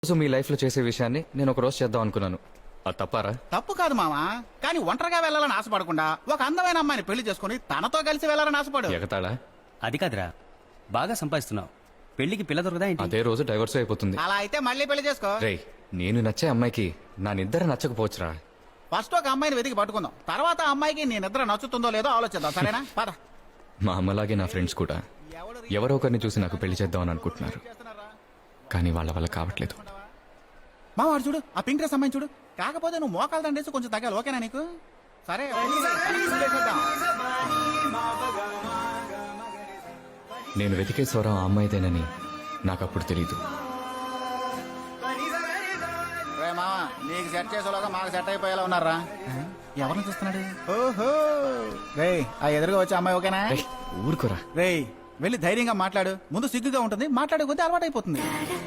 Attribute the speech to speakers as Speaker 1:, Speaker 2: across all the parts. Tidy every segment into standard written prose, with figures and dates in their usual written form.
Speaker 1: రోజు మీ లైఫ్ లో చేసే విషయాన్ని నేను ఒక రోజు చేద్దాం అనుకున్నాను. అది తప్పారా?
Speaker 2: తప్పు కాదు మామా, కానీ ఒంటరిగా వెళ్ళాలని ఆశపడకుండా ఒక అందమైన అమ్మాయిని పెళ్లి చేసుకుని తనతో కలిసి వెళ్ళాలని ఆశపడు.
Speaker 1: ఎగతాళా?
Speaker 3: అది కాదురా, బాగా సంపాదిస్తున్నావు, పెళ్లికి పిల్ల దొరకదా ఏంటి?
Speaker 1: అదే రోజు డైవర్స్ అయిపోతుంది.
Speaker 2: అలా అయితే మళ్ళీ పెళ్లి చేసుకో.
Speaker 1: రేయ్, నేను నచ్చే అమ్మాయికి నా నిద్ర నచ్చకపోవచ్చురా.
Speaker 2: ఫస్ట్ ఒక అమ్మాయిని వెతికి పట్టుకుందాం, తర్వాత ఆ అమ్మాయికి నీ నిద్ర నచ్చుతుందో లేదో ఆలోచిద్దాం, సరేనా? పద.
Speaker 1: మా అమ్మలాగే నా ఫ్రెండ్స్ కూడా ఎవరో ఒకరిని చూసి నాకు పెళ్లి చేద్దామని అనుకుంటున్నారు, కానీ వాళ్ళ వల్ల కావట్లేదు.
Speaker 2: మా వాడు చూడు, ఆ పింక్ డ్రెస్ అమ్మాయిని చూడు. కాకపోతే నువ్వు మోకాలు దండేసి కొంచెం తగ్గాలి, ఓకేనా నీకు? సరే
Speaker 1: నేను వెతికే స్వరం ఆ అమ్మాయిదేనని నాకు అప్పుడు తెలీదు.
Speaker 2: మామ, నీకు సెట్ చేసేలాగా మాకు సెట్ అయిపోయేలా ఉన్నారా? ఎవరిని చూస్తున్నాడు? ఓహో రే, ఆ ఎదురుగా వచ్చే అమ్మాయి ఓకేనా?
Speaker 1: రేయ్, ఊరుకోరా.
Speaker 2: రే, వెళ్ళి ధైర్యంగా మాట్లాడు. ముందు సిగ్గుగా ఉంటుంది, మాట్లాడే కొద్దీ అలవాటు అయిపోతుంది.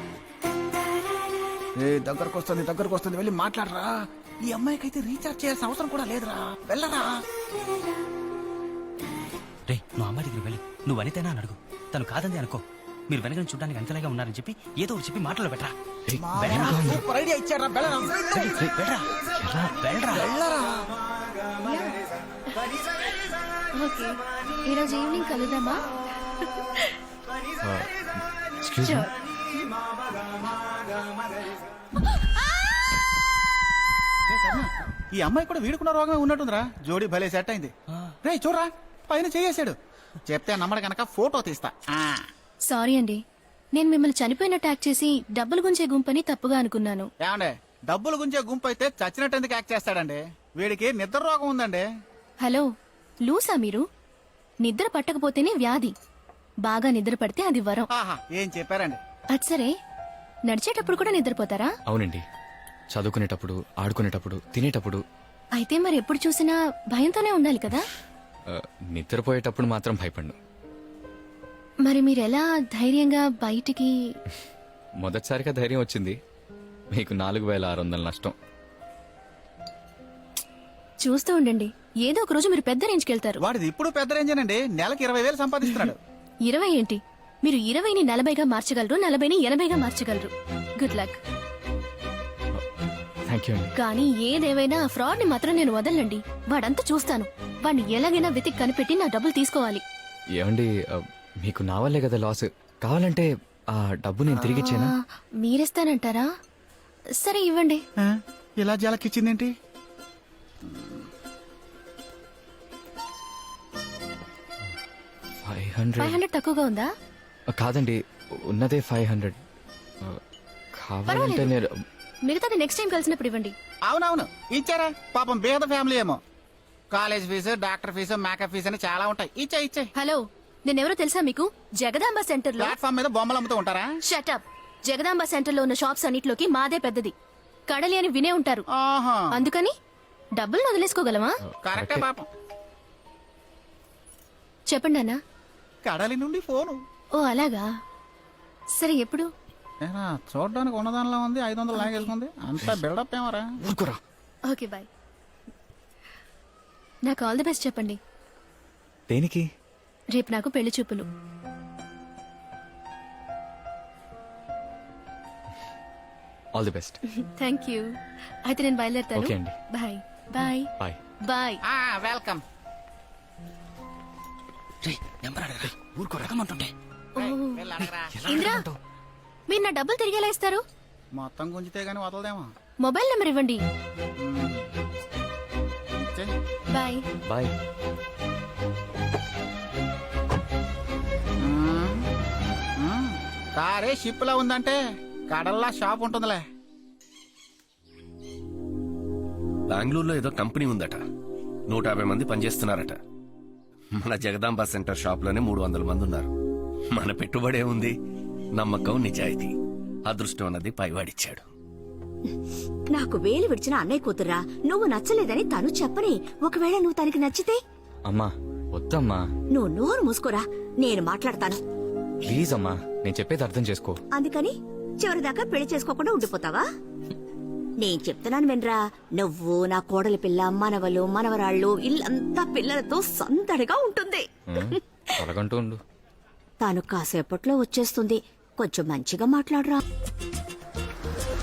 Speaker 2: దగ్గరకు వస్తుంది, వెళ్ళి మాట్లాడరా. ఈ అమ్మాయికి అయితే రీఛార్జ్ చేయాల్సిన అవసరం కూడా లేదురా, వెళ్ళరా.
Speaker 3: రే, నువ్వు అమ్మాయి దగ్గర వెళ్ళి నువ్వు అనితేనా అని అడుగు. తను కాదంది అనుకో, మీరు వెనకని చూడడానికి అంతలాగా ఉన్నారని చెప్పి ఏదో ఒకటి చెప్పి మాటలు పెట్టరా.
Speaker 1: రేయ్,
Speaker 2: సూపర్ ఐడియా ఇచ్చారా, వెళ్ళరా. వెళ్ళరా.
Speaker 4: ఓకే, ఈరోజు ఈవినింగ్ కలుద్దామా?
Speaker 1: Excuse me.
Speaker 2: ఈ అమ్మాయి కూడా వీడుకున్న రోగమే ఉన్నట్టుందిరా. జోడీ భలే సెట్ అయింది. రే చూడరా, పైన చేసాడు. చెప్తే నమ్మడు కనుక ఫోటో తీస్తా.
Speaker 4: సారీ అండి, నేను మిమ్మల్ని చనిపోయినట్టు యాక్ట్ చేసి డబ్బులు గుంచే గుంపని తప్పుగా అనుకున్నాను.
Speaker 2: ఏమండే, డబ్బులు గుంచే గుంపు అయితే చచ్చినట్టు ఎందుకు యాక్ట్ చేస్తాడండి? వీడికి నిద్ర రోగం ఉందండి.
Speaker 4: హలో, లూసా మీరు? నిద్ర పట్టకపోతేనే వ్యాధి, బాగా నిద్ర పడితే అది వరం.
Speaker 2: ఆహా, ఏం చెప్పారండి.
Speaker 4: అది సరే, నడిచేటప్పుడు కూడా నిద్రపోతారా?
Speaker 1: అవునండి, చదువుకునేటప్పుడు, ఆడుకునేటప్పుడు, తినేటప్పుడు.
Speaker 4: అయితే మరి ఎప్పుడు చూసినా భయంతోనే ఉండాలి కదా?
Speaker 1: నిద్రపోయేటప్పుడు మాత్రం భయపడ్ను.
Speaker 4: మరి మీరెలా ధైర్యంగా బయటికి?
Speaker 1: మొదటిసారిగా ధైర్యం వచ్చింది, మీకు 4600 నష్టం.
Speaker 4: చూస్తూ ఉండండి, ఏదో ఒక రోజు మీరు పెద్ద రేంజ్కి వెళ్తారు.
Speaker 2: వాడిది ఇప్పుడు పెద్ద రేంజేనండి, నెలకి 20,000 సంపాదిస్తున్నాడు.
Speaker 4: 20 ఏంటి, మీరు 20ని 40గా మార్చగలరు, 40ని 80గా మార్చగలరు. Good luck.
Speaker 1: థ్యాంక్ యూ అండి.
Speaker 4: కానీ ఏదేవైనా ఆ ఫ్రాడ్ ని మాత్రం నేను వదలండి. వాడంతా చూస్తాను, వాడిని ఎలాగైనా వెతికి కనిపెట్టి నా డబ్బులు తీసుకోవాలి.
Speaker 1: ఏమండి, మీకు నా వల్లే కదా లాస్. కావాలంటే ఆ డబ్బు నేను తిరిగి ఇచ్చేనా?
Speaker 4: మీరిస్తానంటారా? సరే ఇవ్వండి.
Speaker 2: ఇలా జలకిచ్చిందేంటి?
Speaker 4: 500 తక్కువగా ఉందా?
Speaker 1: కాదండి, ఉన్నదే 500. కావాలంటే నేను
Speaker 4: మిగతాది నెక్స్ట్ టైం కలిసినప్పుడు ఇవ్వండి.
Speaker 2: అవునవును, ఇచ్చారా. పాపం బేద ఫ్యామిలీ ఏమో. College fee, doctor fee, makeup fee అని చాలా ఉంటాయి. ఇచ్చే.
Speaker 4: హలో, నేనెవరో తెలుసా మీకు? జగదాంబ సెంటర్ లో.
Speaker 2: ప్లాట్ఫామ్ మీద బొమ్మలు అమ్ముతూ ఉంటారా?
Speaker 4: షటప్. జగదాంబ సెంటర్ లో ఉన్న షాప్స్ అన్నిట్లోకి మాదే పెద్దది. కడలి అని వినే ఉంటారు.
Speaker 2: ఆహా,
Speaker 4: అందుకని డబ్బులు వదిలేసుకోగలమా?
Speaker 2: కరెక్టే పాపం.
Speaker 4: చెప్పండి అన్న.
Speaker 2: కడలి నుండి ఫోను.
Speaker 4: ఓ అలాగా, సరే ఎప్పుడు?
Speaker 2: చూడడానికి ఉన్నదానిలో ఉంది, 500 లాగేసుకుంది. అంతా బిల్డప్ ఏమరా?
Speaker 1: ఊరుకోరా.
Speaker 4: Okay bye. నాకు ఆల్ ది బెస్ట్ చెప్పండి.
Speaker 1: దేనికి?
Speaker 4: రేపు నాకు పెళ్లి చూపులు.
Speaker 1: All the best.
Speaker 4: Thank you. అయితే నేను బయలుదేరుతాను.
Speaker 1: ఓకే అండి.
Speaker 4: Bye bye
Speaker 1: bye.
Speaker 4: Bye.
Speaker 2: Welcome.
Speaker 3: Number అడగరా, ఊరుకో రకమంటుంటే.
Speaker 4: ఇంద్రా, మీరు నా డబ్బులు తిరిగి ఎలా ఇస్తారు?
Speaker 2: మొత్తం గుంజితే గానీ వదలదేమో.
Speaker 4: మొబైల్ నెంబర్ ఇవ్వండి. Bye
Speaker 1: bye.
Speaker 2: కారే షిప్ లా ఉందంటే కడల్లా షాప్ ఉంటుందిలే.
Speaker 5: బెంగళూరులో ఏదో కంపెనీ ఉందట, 150 మంది పనిచేస్తున్నారట. మన జగదాంబ సెంటర్ షాప్ లోనే 300 మంది ఉన్నారు. మన పెట్టుబడే ఉంది, నమ్మకం, నిజాయితీ. అదృష్టం అన్నది పైవాడిచ్చాడు.
Speaker 6: నాకు వేలు విడిచిన అన్నయ్య కూతురా, నువ్వు నచ్చలేదని తను చెప్పని. ఒకవేళ నువ్వు తనకి నచ్చితే?
Speaker 1: అమ్మా వద్దమ్మా.
Speaker 6: నువ్వు నోరు మూసుకోరా, నేను మాట్లాడతాను.
Speaker 1: ప్లీజ్ అమ్మా, నేను చెప్పేది అర్థం చేసుకో.
Speaker 6: అందుకని చివరిదాకా పెళ్లి చేసుకోకుండా ఉండిపోతావా? నేను చెప్తున్నాను వినరా. నువ్వు, నా కోడలి పిల్ల, మనవలు, మనవరాళ్ళు, ఇల్లంతా పిల్లలతో సందడిగా ఉంటుంది.
Speaker 1: తొలగంటూ ఉండు.
Speaker 6: తాను కాసేపట్లో వచ్చేస్తుంది. కొంచెం మంచిగా మాట్లాడరా.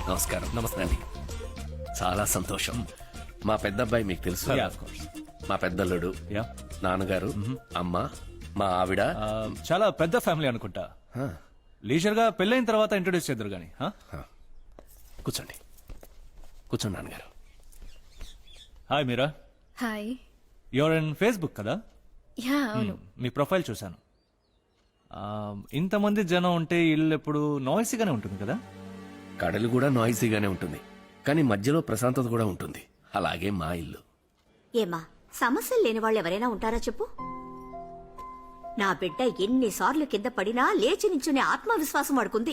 Speaker 5: నమస్కారం. నమస్తే. చాలా సంతోషం. మా పెద్ద అబ్బాయి మీకు తెలుసు. మా పెద్దల్లుడు, నాన్నగారు, అమ్మ, మా ఆవిడ.
Speaker 7: చాలా పెద్ద ఫ్యామిలీ అనుకుంటా. లీజర్ గా పెళ్ళైన తర్వాత ఇంట్రొడ్యూస్ చేద్దరు గానీ.
Speaker 5: కూర్చోండి కూర్చోండి నాన్నగారు.
Speaker 7: Hi Meera,
Speaker 4: hi.
Speaker 7: Your in Facebook కదా?
Speaker 4: యా అవును.
Speaker 7: మీ ప్రొఫైల్ చూశాను. ఇంతమంది జనం ఉంటే ఇల్లు ఎప్పుడు నాయిసీగానే ఉంటుంది కదా?
Speaker 5: కడలు కూడా నాయిసీగానే ఉంటుంది, కానీ మధ్యలో ప్రశాంతత కూడా ఉంటుంది. అలాగే మా ఇల్లు.
Speaker 6: ఏమా సమస్యలు లేని వాళ్ళు ఎవరైనా ఉంటారా చెప్పు. నా బిడ్డ ఎన్నిసార్లు కింద పడినా లేచి నించునే ఆత్మవిశ్వాసం వాడుకుంది.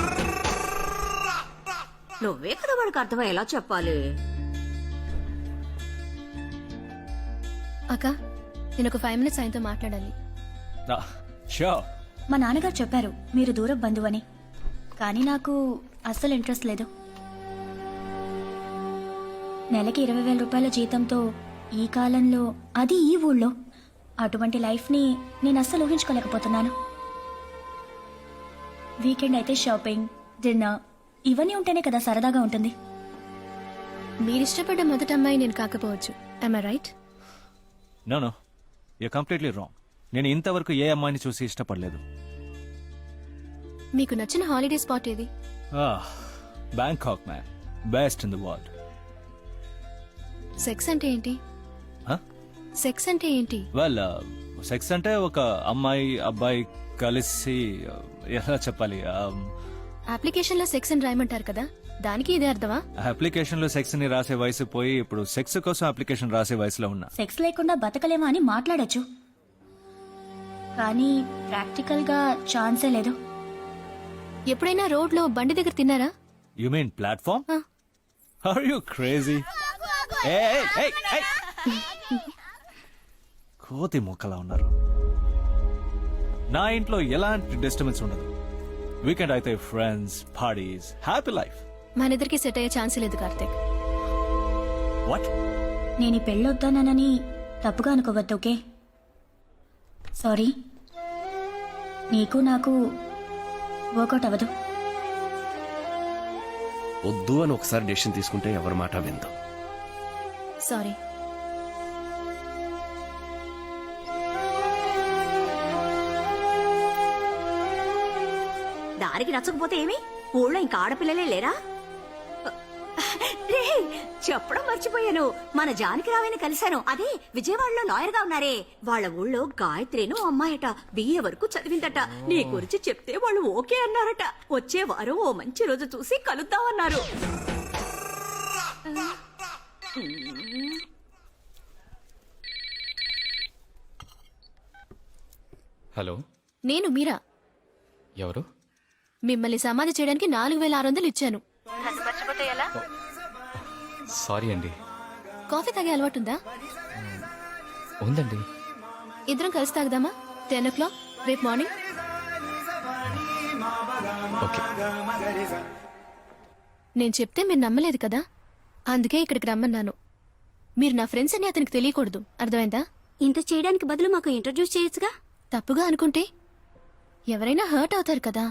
Speaker 6: నువ్వే కదా వాడికి అర్థమయ్యేలా చెప్పాలి.
Speaker 4: అక్క నేను ఒక 5 minutes ఆయనతో మాట్లాడాలి.
Speaker 7: షూర్.
Speaker 8: మా నాన్నగారు చెప్పారు మీరు దూరం బంధువని, కానీ నాకు అస్సలు ఇంట్రెస్ట్ లేదు. నెలకి 20,000 రూపాయల జీతంతో ఈ కాలంలో, అది ఈ ఊళ్ళో, అటువంటి లైఫ్ని నేను అస్సలు ఊహించుకోలేకపోతున్నాను. వీకెండ్ అయితే షాపింగ్, డిన్నర్ ఇవన్నీ ఉంటేనే కదా సరదాగా ఉంటుంది.
Speaker 4: మీరిష్టపడ్డ మొదటి అమ్మాయి నేను కాకపోవచ్చు. I right?
Speaker 7: No you completely wrong. నేను ఇంతవరకు ఏ అమ్మాయిని చూసి ఇష్టపడలేదు.
Speaker 4: మీకు నచ్చిన హాలిడే స్పాట్ ఏది?
Speaker 7: Bangkok man, best in the world.
Speaker 4: Sex అంటే ఏంటి? సెక్స్ అంటే ఏంటి?
Speaker 7: వెల్, సెక్స్ అంటే ఒక అమ్మాయి అబ్బాయి కలిసి ఎలా చెప్పాలి,
Speaker 4: అప్లికేషన్ లో సెక్స్ అని రాయమంటారు కదా, దానికి ఇదే అర్థమా?
Speaker 7: అప్లికేషన్ లో సెక్స్ ని రాసే వయసు పోయి ఇప్పుడు సెక్స్ కోసం అప్లికేషన్ రాసే వయసులో ఉన్నా.
Speaker 8: సెక్స్ లేకుండా బతకలేమా అని మాట్లాడొచ్చు, కానీ ప్రాక్టికల్ గా ఛాన్సే లేదు.
Speaker 4: ఎప్పుడైనా రోడ్ లో బండి దగ్గర తిన్నారా?
Speaker 7: You mean platform? Are you crazy? కోతి మొక్కలా ఉన్నారు. నా ఇంట్లో ఎలాంటి డిస్టర్బెన్స్ ఉండదు. వీకెండ్ అయితే ఫ్రెండ్స్, పార్టీస్, హ్యాపీ లైఫ్.
Speaker 4: మనిద్దరికి సెట్ అయ్యే ఛాన్స్ లేదు కార్తీక్.
Speaker 7: వాట్?
Speaker 8: నేను ఈ పెళ్ళొద్దానని తప్పుగా అనుకోవద్దు, ఓకే? సారీ. నీకు నాకు వర్కౌట్ అవ్వదు.
Speaker 5: వద్దు అని ఒకసారి డెసిషన్ తీసుకుంటే ఎవరి మాట విందాం.
Speaker 4: సారీ.
Speaker 6: దానికి నచ్చకపోతే ఏమి? ఊళ్ళో ఇంకా ఆడపిల్లలే లేరా? రే, చెప్పడం మర్చిపోయాను. మన జానకి రావేని కలిశాను. అదే విజయవాడలో లాయర్ గా ఉన్నారే, వాళ్ళ ఊళ్ళో గాయత్రిను అమ్మాయట, BA వరకు చదివిందట. నీ గురించి చెప్తే వాళ్ళు ఓకే అన్నారట. వచ్చే వారం ఓ మంచి రోజు చూసి కలుద్దామన్నారు.
Speaker 1: హలో,
Speaker 4: నేను మీరా.
Speaker 1: ఎవరు?
Speaker 4: మిమ్మల్ని సమాధి చేయడానికి 4,600 ఇచ్చాను.
Speaker 1: సారీ అండి.
Speaker 4: కాఫీ తాగే అలవాటుందా?
Speaker 1: ఉందండి.
Speaker 4: ఇద్దరం కలిసి తాగుదామా? 10 o'clock రేపు మార్నింగ్.
Speaker 1: ఓకే.
Speaker 4: నేను చెప్తే మీరు నమ్మలేదు కదా, అందుకే ఇక్కడికి రమ్మన్నాను. మీరు నా ఫ్రెండ్స్ అని అతనికి తెలియకూడదు, అర్థమైందా?
Speaker 8: ఇంత చేయడానికి బదులు మాకు ఇంట్రడ్యూస్ చేయొచ్చుగా.
Speaker 4: తప్పుగా అనుకుంటే ఎవరైనా హర్ట్ అవుతారు కదా.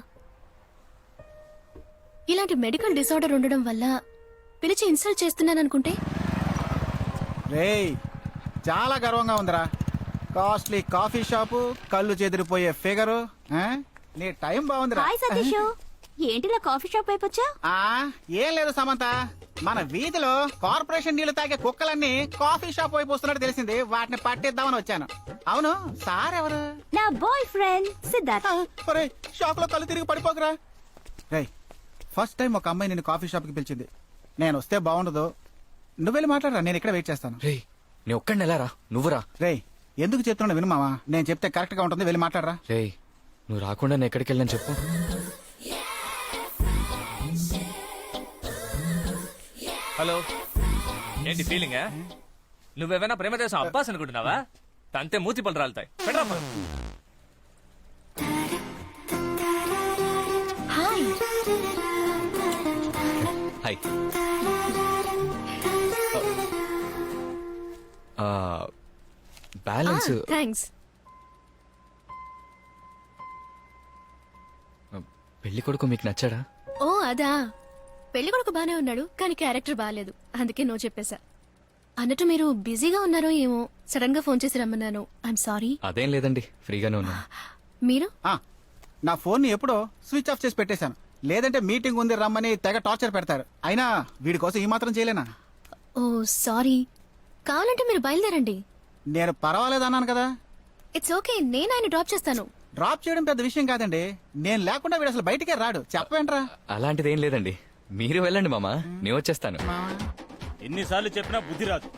Speaker 4: ఇలాంటి మెడికల్ డిసార్డర్ ఉండడం వల్ల పిలిచి ఇన్సల్ట్ చేస్తున్నాననుకుంటే?
Speaker 2: రేయ్, చాలా గర్వంగా ఉందిరా. కాస్ట్లీ కాఫీ షాపు, కళ్ళు చెదిరిపోయే ఫిగరు. నీ టైం బాగుందిరా.
Speaker 8: హాయ్ సతీష్, ఏంటిలా కాఫీ షాప్ అయిపోచ్చా?
Speaker 2: ఏం లేదు సమంత, మన వీధిలో కార్పొరేషన్ నీళ్లు తాగే కుక్కలన్నీ కాఫీ షాప్ వైపు వస్తున్నట్టు తెలిసింది. వాటిని పట్టిద్దామని వచ్చాను. అవును, సార్ ఎవరు?
Speaker 8: నా బాయ్ ఫ్రెండ్ సిద్ధార్థ్.
Speaker 2: షాక్ లో కళ్ళు తిరిగి పడిపోకరా. రేయ్, ఫస్ట్ టైం ఒక అమ్మాయి నేను కాఫీ షాప్ కి పిలిచింది. నేను వస్తే బాగుండదు. నువ్వు వెళ్ళి మాట్లాడరా, నేను ఇక్కడ వెయిట్ చేస్తాను.
Speaker 1: రే, నీ ఒక్కడిని ఎలా రా? నువ్వురా.
Speaker 2: రేయ్, ఎందుకు చెప్తున్నా విను మావా, నేను చెప్తే కరెక్ట్ గా ఉంటుంది. వెళ్ళి మాట్లాడరా.
Speaker 1: రే, నువ్వు రాకుండా నేను ఎక్కడికి వెళ్ళని చెప్పు.
Speaker 9: హలో, ఏంటి ఫీలింగ్? నువ్వేమైనా ప్రేమదేశం అబ్బాస్ అనుకుంటున్నావా? తంతే మూతి పళ్ళు రాలుతాయి. పెట్టరా phone.
Speaker 8: Hi.
Speaker 1: Hi. Balance
Speaker 4: thanks.
Speaker 1: పెళ్లి కొడుకు మీకు నచ్చాడా?
Speaker 4: ఓ అదా, పెళ్లి కొడుకు బానే ఉన్నాడు కానీ క్యారెక్టర్ బాగాలేదు, అందుకే నో చెప్పేశా. అన్నట్టు మీరు బిజీగా ఉన్నారో ఏమో, సడన్ గా ఫోన్ చేసి రమ్మన్నాను. I'm sorry.
Speaker 1: అదేం లేదండి, ఫ్రీగానే ఉన్నాను.
Speaker 4: మీరు?
Speaker 2: నా ఫోన్ ని ఎప్పుడో స్విచ్ ఆఫ్ చేసి పెట్టేశాను, లేదంటే మీటింగ్ ఉంది రమ్మని తెగ టార్చర్ పెడతారు. అయినా వీడి కోసం ఈ మాత్రం చేయలేనా?
Speaker 4: ఓ సారీ. కావాలంటే మీరు బయలుదేరండి.
Speaker 2: నేను పర్వాలేదు అన్నాను కదా.
Speaker 4: ఇట్స్ ఓకే, నేను ఆయన డ్రాప్ చేస్తాను.
Speaker 2: డ్రాప్ చేయడం పెద్ద విషయం కాదండి. నేను లేకుండా వీడు అసలు బయటికే రాడు. చెప్పవేంట్రా?
Speaker 1: అలాంటిదేం లేదండి, మీరు వెళ్ళండి మామ, నేను వచ్చేస్తాను.
Speaker 7: ఎన్నిసార్లు చెప్పినా బుద్ధి రాదు.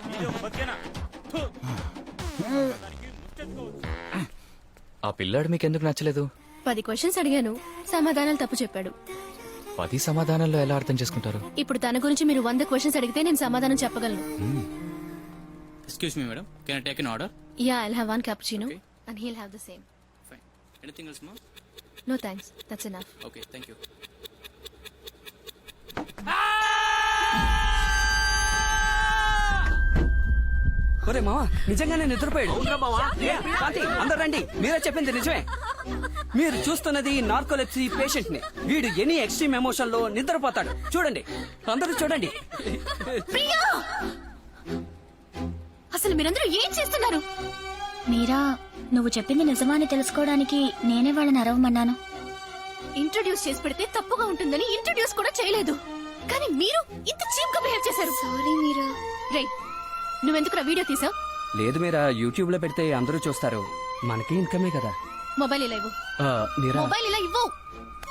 Speaker 1: ఆ పిల్లాడు మీకెందుకు నచ్చలేదు?
Speaker 4: 10 క్వశ్చన్స్ అడిగాను, సమాధానాలు తప్పు చెప్పాడు.
Speaker 1: 10 సమాధానాల్లో ఎలా అర్థం చేసుకుంటారు?
Speaker 4: ఇప్పుడు తన గురించి మీరు 100 క్వశ్చన్స్ అడిగితే నేను సమాధానం చెప్పగలను.
Speaker 10: Excuse me, madam. Can I take an order?
Speaker 4: Yeah, I'll have 1 cappuccino and he'll have the same.
Speaker 10: Fine. Anything else, ma'am?
Speaker 4: No thanks, that's enough.
Speaker 10: Okay, thank you.
Speaker 3: ఒరే మావా, నిజంగానే నిద్రపోయాడు. కాంతి, అందరూ రండి, మీరే చెప్పింది నిజమే. మీరు చూస్తున్నది నార్కోలెప్సీ పేషెంట్ ని. వీడు ఎనీ ఎక్స్ట్రీమ్ ఎమోషన్ లో నిద్రపోతాడు. చూడండి, అందరూ చూడండి.
Speaker 4: ప్రియా! అసలు మీరందరూ ఏం చేస్తున్నారు?
Speaker 8: మీరా, నువ్వు చెప్పింది నిజమా అని తెలుసుకోవడానికి నేనే వాళ్ళని అరవమన్నాను.
Speaker 4: ఇంట్రడ్యూస్ చేసి పెడితే తప్పుగా ఉంటుందని ఇంట్రడ్యూస్ కూడా చేయలేదు, కానీ మీరు ఇంత చీప్ గా బిహేవ్ చేశారు. సారీ మీరా. రే, నువ్వెందుకు వీడియో తీసావు?
Speaker 3: లేదు మీరా, యూట్యూబ్ లో పెడితే అందరూ చూస్తారు, మనకి ఇన్కమే కదా.
Speaker 4: మొబైల్ ఇలా ఇవ్వు.
Speaker 3: మీరా,
Speaker 4: మొబైల్ ఇలా ఇవ్వు.